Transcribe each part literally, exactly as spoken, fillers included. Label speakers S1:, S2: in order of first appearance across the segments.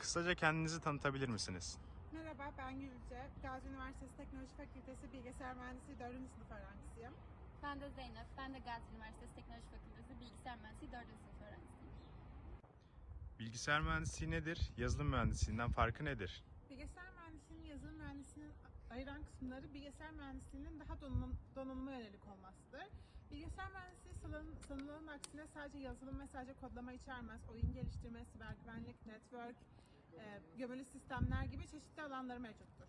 S1: Kısaca kendinizi tanıtabilir misiniz?
S2: Merhaba, ben Gülce. Gazi Üniversitesi Teknoloji Fakültesi Bilgisayar Mühendisliği dördüncü sınıf öğrencisiyim.
S3: Ben de Zeynep. Ben de Gazi Üniversitesi Teknoloji Fakültesi Bilgisayar Mühendisliği dördüncü sınıf öğrencisiyim.
S1: Bilgisayar mühendisliği nedir? Yazılım mühendisliğinden farkı nedir?
S2: Bilgisayar mühendisliğinin yazılım mühendisliğinin ayıran kısımları bilgisayar mühendisliğinin daha donanım, donanıma yönelik olmasıdır. Bilgisayar mühendisliği sanılanın, sanılanın aksine sadece yazılım ve sadece kodlama içermez. Oyun geliştirme, siber güvenlik, network, e, gömülü sistemler gibi çeşitli alanları mevcuttur.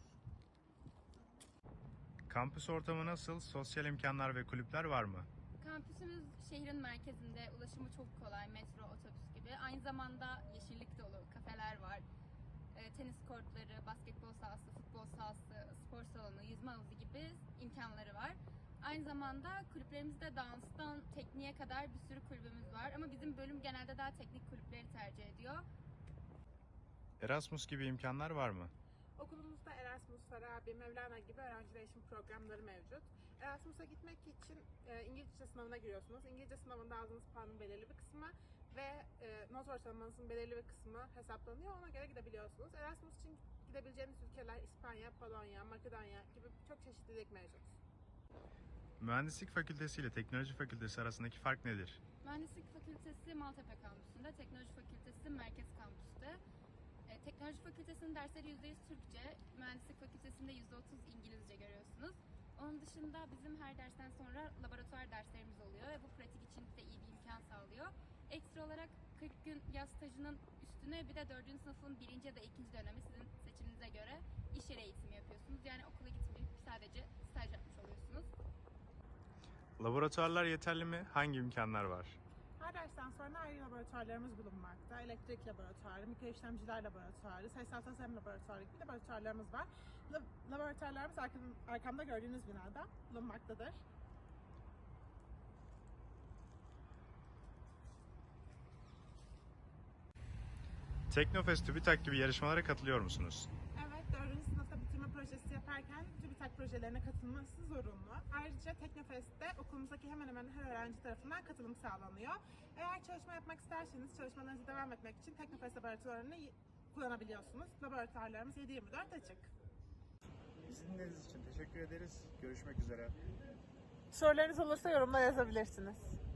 S1: Kampüs ortamı nasıl? Sosyal imkanlar ve kulüpler var mı?
S3: Kampüsümüz şehrin merkezinde, ulaşımı çok kolay, metro, otobüs gibi. Aynı zamanda yeşillik dolu, kafeler var. E, tenis kortları, basketbol sahası, futbol sahası, spor salonu, yüzme havuzu gibi imkanları var. Aynı zamanda kulüplerimizde danstan tekniğe kadar bir sürü kulübümüz var. Ama bizim bölüm genelde daha teknik kulüpleri tercih ediyor.
S1: Erasmus gibi imkanlar var mı?
S2: Okulumuzda Erasmus, Farabi, Mevlana gibi öğrenci değişim programları mevcut. Erasmus'a gitmek için e, İngilizce sınavına giriyorsunuz. İngilizce sınavında aldığınız puanın belirli bir kısmı ve e, not ortalamanızın belirli bir kısmı hesaplanıyor. Ona göre gidebiliyorsunuz. Erasmus için gidebileceğiniz ülkeler İspanya, Polonya, Makedonya gibi çok çeşitlilik mevcut.
S1: Mühendislik fakültesi ile teknoloji fakültesi arasındaki fark nedir?
S3: Mühendislik Fakültesi Maltepe kampüsünde, Teknoloji Fakültesi Merkez kampüste. E, Teknoloji Fakültesi'nin dersleri yüzde yüz Türkçe, Mühendislik Fakültesi'nde yüzde otuz İngilizce görüyorsunuz. Onun dışında bizim her dersten sonra laboratuvar derslerimiz oluyor ve bu pratik için de iyi bir imkan sağlıyor. Ekstra olarak kırk gün yaz stajının üstüne bir de dördüncü sınıfın birinci ya da ikinci dönemi sizin seçiminize göre iş yeri eğitimi yapıyorsunuz. Yani okula gitmeyip sadece staj yapmış oluyorsunuz.
S1: Laboratuvarlar yeterli mi? Hangi imkanlar var?
S2: Her dersten sonra ayrı laboratuvarlarımız bulunmakta. Elektrik laboratuvarı, mikro işlemciler laboratuvarı, sayısal tasarım laboratuvarı gibi laboratuvarlarımız var. Lab- Laboratuvarlarımız arkam- arkamda gördüğünüz binada bulunmaktadır.
S1: Teknofest, TÜBİTAK gibi yarışmalara katılıyor musunuz?
S2: Evet, dördüncü sınıfta bitirme projesi yaparken TÜBİTAK projelerine katılması zorunlu. Ayrıca Teknofest'te okulumuzdaki hemen hemen her öğrenci tarafından katılım sağlanıyor. Eğer çalışma yapmak isterseniz çalışmalarınızı devam etmek için Teknofest laboratuvarını y- kullanabiliyorsunuz. Laboratuvarlarımız yedi yirmi dört açık.
S1: Bizi dinlediğiniz için teşekkür ederiz. Görüşmek üzere.
S2: Sorularınız olursa yorumlara yazabilirsiniz.